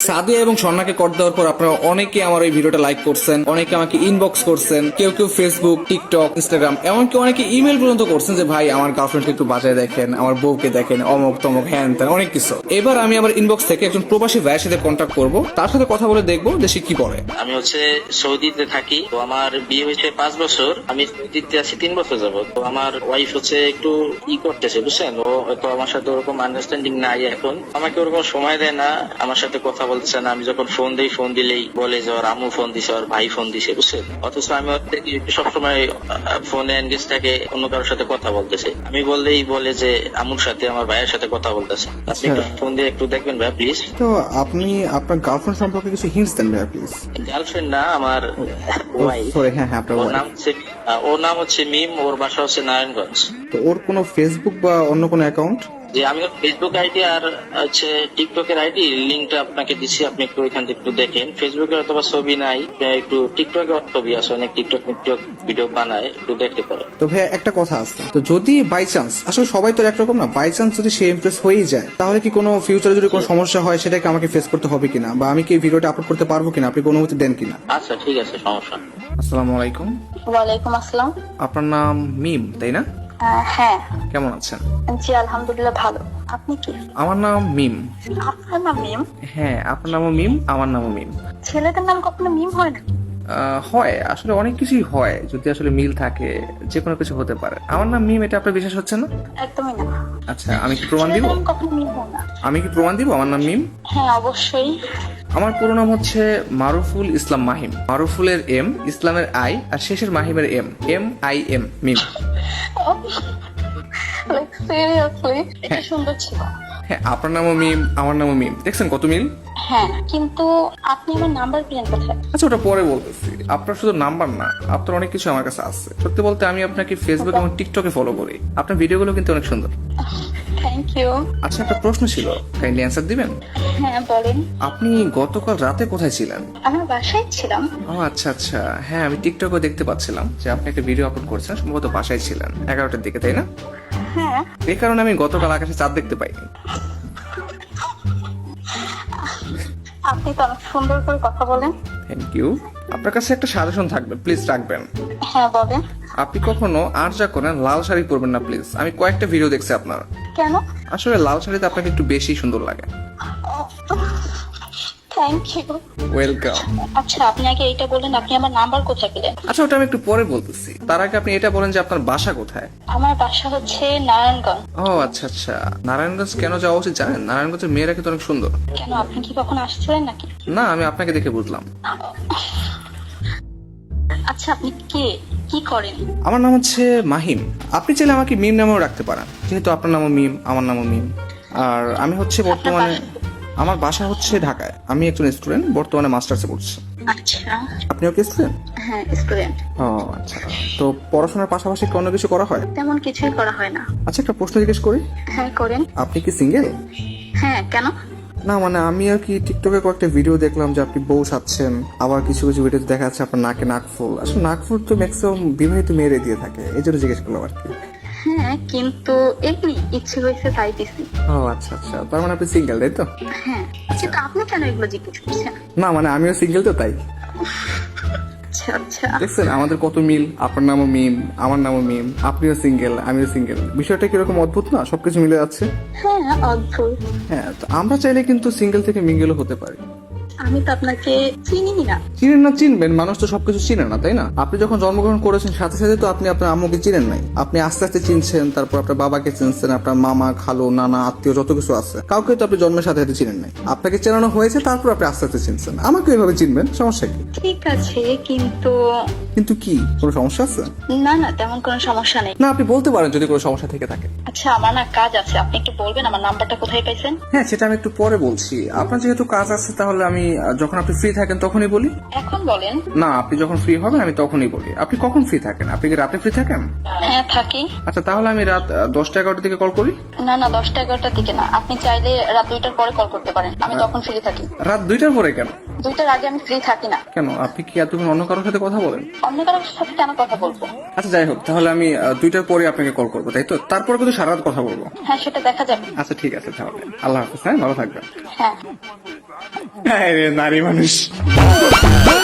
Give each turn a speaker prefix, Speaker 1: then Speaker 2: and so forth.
Speaker 1: সাদিয়া এবং স্বর্ণাকে কর দেওয়ার পর আপনারা অনেকে আমার এই ভিডিওটা লাইক করছেন, অনেকে আমাকে ইনবক্স করছেন, কেউ কেউ ফেসবুক, টিকটক, ইনস্টাগ্রাম, এমনকি অনেকে ইমেল পর্যন্ত করছেন যে ভাই আমার গার্লফ্রেন্ডকে একটু বাজায় দেখেন, আমার বউকে দেখেন, অমক তমক হ্যান ত্যান অনেক কিছু। এবার আমি আমার ইনবক্স থেকে একজন প্রবাসী ভাইয়ের সাথে কন্ট্যাক্ট করব, তার সাথে কথা বলে দেখবো যে সে কি বলে।
Speaker 2: আমি সৌদিতে থাকি। তো আমার বিয়ে হয়েছে 5 বছর, আমি সৌদিতে আছি 3 বছর যাবত। তো আমার ওয়াইফ একটু করতেছে, বুঝছেন, ও হয়তো আমার সাথে ওরকম আন্ডারস্ট্যান্ডিং নাই এখন, আমাকে ওরকম সময় দেয় না, আমার সাথে কথা বলতেছে না। আমি যখন ফোন দিই, ফোন দিলেই বলে যে ওর আম্মু ফোন দিছে, ওর ভাই ফোন দিছে, বুঝছেন। অথচ আমি সবসময় ফোনে এনগেজ থাকে, অন্য কারোর সাথে কথা বলতেছে। আমি বললেই বলে যে আম্মুর সাথে, আমার ভাইয়ের সাথে কথা বলতেছে। আপনি একটু ফোন দিয়ে একটু দেখবেন ভাই প্লিজ।
Speaker 1: তো আপনি আপনার গার্লফ্রেন্ড সম্পর্কে কিছু হিন্টস দেন ভাই প্লিজ।
Speaker 2: গার্লফ্রেন্ড না, আমার ওয়াইফ।
Speaker 1: সরি, হ্যাঁ হ্যাঁ, আপনার
Speaker 2: ওর নাম হচ্ছে মিম, ওর বাসা হচ্ছে নারায়ণগঞ্জ।
Speaker 1: তো ওর কোনো ফেসবুক বা অন্য কোনো অ্যাকাউন্ট?
Speaker 2: যে আমি ওর ফেসবুক আইডি আর টিকটকের আইডি লিঙ্কটা আপনাকে দিচ্ছি, আপনি একটু ওইখান থেকে একটু দেখেন। ফেসবুকে অথবা ছবি নাই, একটু টিকটকে ছবি আছে, অনেক টিকটক ভিডিও বানায়, একটু দেখতে পারেন।
Speaker 1: তো ভাই একটা কথা আছে, তো যদি বাই চান্স, আসলে সবাই তো একরকম না, বাই চান্স যদি সে ইমপ্রেস হয়েই যায়, তাহলে কি কোনো ফিউচারে যদি কোনো সমস্যা হয় সেটাকে আমাকে ফেস করতে হবে কিনা, বা আমি কি ভিডিওটা আপলোড করতে পারবো কিনা, আপনি কোনো অনুমতি দেন কিনা?
Speaker 2: আচ্ছা ঠিক আছে, সমস্যা নেই।
Speaker 1: আসসালামু আলাইকুম।
Speaker 3: ওয়ালাইকুম আসসালাম।
Speaker 1: আপনার নাম মিম, তাই না?
Speaker 3: হ্যাঁ।
Speaker 1: কেমন আছেন?
Speaker 3: জি আলহামদুলিল্লাহ ভালো। আপনি কি?
Speaker 1: আমার নাম মিম।
Speaker 3: আপনার নাম মিম?
Speaker 1: হ্যাঁ, আপনার নামও মিম, আমার নামও মিম।
Speaker 3: ছেলেদের নাম কখনো মিম হয় না?
Speaker 1: হয়, আসলে অনেক কিছুই হয়, যদি আসলে মিল থাকে যে কোনো কিছু হতে পারে। আমার নাম মিম, এটা আপনার বিশ্বাস হচ্ছে না?
Speaker 3: একদমই না।
Speaker 1: আচ্ছা, আমি কি প্রমাণ দিব?
Speaker 3: ছেলেদের নাম কখনো মিম হয় না।
Speaker 1: আমি কি প্রমাণ দিব আমার নাম মিম?
Speaker 3: হ্যাঁ অবশ্যই।
Speaker 1: আমার পুরো নাম হচ্ছে মারুফুল ইসলাম মাহিম। মারুফুলের এম, ইসলামের আই, আর শেষের মাহিমের M, MIM, Mim.
Speaker 3: Like seriously এটা সুন্দর ছিল।
Speaker 1: হ্যাঁ, আপনার নামও মিম, আমার নামও মিম, দেখছেন কত মিল।
Speaker 3: হ্যাঁ কিন্তু আপনি আমার নাম্বার পেলেন কোথায়?
Speaker 1: আচ্ছা, ওটা পরে বলতেছি। আপনার শুধু নাম্বার না, আপনার অনেক কিছু আমার কাছে আছে। সত্যি বলতে আমি আপনাকে ফেসবুক এবং টিকটকে ফলো করি। আপনার ভিডিওগুলো কিন্তু অনেক সুন্দর।
Speaker 3: Thank you.
Speaker 1: আচ্ছা, একটা প্রশ্ন ছিল, কাইন্ডলি অ্যান্সার দিবেন?
Speaker 3: হ্যাঁ বলেন।
Speaker 1: আপনি গতকাল রাতে কোথায় ছিলেন?
Speaker 3: আমার বাসায় ছিলাম।
Speaker 1: ও আচ্ছা আচ্ছা, হ্যাঁ আমি টিকটকে দেখতে পাচ্ছিলাম যে আপনি একটা ভিডিও আপলোড করেছেন, সম্ভবত বাসায় ছিলেন 11টার দিকে, তাই না?
Speaker 3: হ্যাঁ।
Speaker 1: এই কারণে আমি গতকাল আকাশে চাঁদ দেখতে পাইনি।
Speaker 3: আপনি তো অনেক সুন্দর করে কথা বলেন।
Speaker 1: Thank you. আপনার কাছে একটা সাজেশন থাকবে, প্লিজ রাখবেন।
Speaker 3: হ্যাঁ বলেন।
Speaker 1: আপনি কখনো আর যা করেন লাল শাড়ি পরবেন না প্লিজ। আমি কয়েকটা ভিডিও দেখছি আপনার।
Speaker 3: কেন?
Speaker 1: আসলে লাল শাড়িতে আপনাকে একটু বেশি সুন্দর লাগে।
Speaker 3: Thank you.
Speaker 1: ওয়েলকাম।
Speaker 3: আচ্ছা আপনি আগে এইটা বলেন, আপনি আমার নাম্বার কোথায় পেলেন?
Speaker 1: আচ্ছা, ওটা আমি একটু পরে বলতেছি। তার আগে আপনি এটা বলেন যে আপনার বাসা কোথায়?
Speaker 3: আমার বাসা হচ্ছে নারায়ণগঞ্জ।
Speaker 1: ও আচ্ছা আচ্ছা, নারায়ণগঞ্জ কেন যাওয়া উচিত জানেন? নারায়ণগঞ্জের মেয়েরা কিন্তু অনেক সুন্দর।
Speaker 3: কেন, আপনি কি কখনো আসছিলেন নাকি?
Speaker 1: না, আমি আপনাকে দেখে বুঝলাম।
Speaker 3: আচ্ছা আপনি কে, কি করেন?
Speaker 1: আমার নাম হচ্ছে মাহিম। আপনি চাইলে আমাকে মিম নামেও রাখতে পারেন, যেহেতু আপনার নামও মিম, আমার নামও মিম। আর আমি হচ্ছে বর্তমানে, আমার বাসা হচ্ছে ঢাকায়। আমি একজন স্টুডেন্ট, বর্তমানে মাস্টার্সে পড়ছি।
Speaker 3: আচ্ছা।
Speaker 1: আপনিও কি স্টুডেন্ট?
Speaker 3: হ্যাঁ স্টুডেন্ট।
Speaker 1: ও আচ্ছা, তো পড়াশোনার পাশাপাশি কি অন্য কিছু করা হয়?
Speaker 3: তেমন কিছুই করা হয় না।
Speaker 1: আচ্ছা, একটা প্রশ্ন জিজ্ঞেস করি।
Speaker 3: হ্যাঁ করেন।
Speaker 1: আপনি কি সিঙ্গেল?
Speaker 3: হ্যাঁ কেন?
Speaker 1: না মানে আমি আর কি টিকটকে কয়েকটা ভিডিও দেখলাম যে আপনি বউ সাচ্ছেন, আবার কিছু কিছু ভিডিওতে দেখা যাচ্ছে আপনার নাকে নাকফুল। আসলে নাকফুল তো ম্যাক্সিমাম বিবাহিত মেয়েরে দিয়ে থাকে, এই জন্য জিজ্ঞেস করলাম আর কি।
Speaker 3: হ্যাঁ কিন্তু এমনি ইচ্ছে হয়েছে তাই দিছি।
Speaker 1: ও আচ্ছা আচ্ছা, তার মানে আপনি সিঙ্গেল, তাই তো?
Speaker 3: হ্যাঁ কিন্তু আপনি কেন এগুলো জিজ্ঞেস করছেন?
Speaker 1: না মানে আমিও সিঙ্গেল তো, তাই।
Speaker 3: আচ্ছা আচ্ছা।
Speaker 1: দেখছেন আমাদের কত মিল, আপনার নামও মিম, আমার নামও মিম, আপনিও সিঙ্গেল, আমিও সিঙ্গেল। বিষয়টা কিরকম অদ্ভুত না, সবকিছু মিলে যাচ্ছে।
Speaker 3: হ্যাঁ অদ্ভুত।
Speaker 1: হ্যাঁ, তো আমরা চাইলে কিন্তু সিঙ্গেল থেকে মিঙ্গেলও হতে পারি।
Speaker 3: আমি তো আপনাকে চিনি না।
Speaker 1: চিনেন না, চিনবেন, মানুষ তো সবকিছু চিনে না, তাই না? আপনি যখন জন্মগ্রহণ করেছেন সাথে সাথে তো আপনি আপনার আম্মুকে চিনেন নাই। আপনি আস্তে আস্তে চিনছেন, তারপর আপনার বাবাকে চিনছেন, আপনার মামা, খালু, নানা, আত্মীয় যত কিছু আছে, কাউকে তো আপনি জন্মের সাথে সাথে চিনেন নাই। আপনাকে চেনানো হয়েছে, তারপর আপনি আস্তে আস্তে চিনছেন। আমাকে এইভাবে চিনবেন, সমস্যা কি?
Speaker 3: ঠিক আছে কিন্তু।
Speaker 1: কিন্তু কি, কোনো সমস্যা আছে?
Speaker 3: না না তেমন কোনো সমস্যা নেই।
Speaker 1: না, আপনি বলতে পারেন যদি কোনো সমস্যা থেকে থাকে।
Speaker 3: আচ্ছা আমার না কাজ আছে, আপনি একটু বলবেন আমার নাম্বারটা কোথায় পাইছেন?
Speaker 1: হ্যাঁ, সেটা আমি একটু পরে বলছি। আপনার যেহেতু কাজ আছে, তাহলে আমি যখন আপনি ফ্রি থাকেন তখনই বলি?
Speaker 3: এখন বলেন।
Speaker 1: না, আপনি যখন ফ্রি হবেন আমি তখনই বলি। আপনি কখন ফ্রি থাকেন? আপনি কি রাতে ফ্রি থাকেন?
Speaker 3: হ্যাঁ থাকি।
Speaker 1: আচ্ছা, তাহলে আমি রাত 10টা-11টার দিকে কল করি।
Speaker 3: না না, 10টা-11টার দিকে না, আপনি চাইলে রাত 2টার পরে কল করতে পারেন, আমি তখন ফ্রি থাকি।
Speaker 1: রাত 2টার পরে কেন?
Speaker 3: 2টার আগে আমি ফ্রি থাকি না।
Speaker 1: কেন, আপনি কি এতক্ষণ অন্য কারোর সাথে কথা বলেন?
Speaker 3: অন্য কারোর সাথে কেন কথা বলবো?
Speaker 1: আচ্ছা যাই হোক, তাহলে আমি 2টার পরে আপনাকে কল করবো, তাই তো? তারপরে কিন্তু সারা রাত কথা বলবো।
Speaker 3: হ্যাঁ সেটা দেখা যাবে।
Speaker 1: আচ্ছা ঠিক আছে, তাহলে আল্লাহ হাফেজ। হ্যাঁ, ভালো থাকবেন।
Speaker 3: হ্যাঁ।
Speaker 1: হ্যাঁ রে, নারী মানুষ।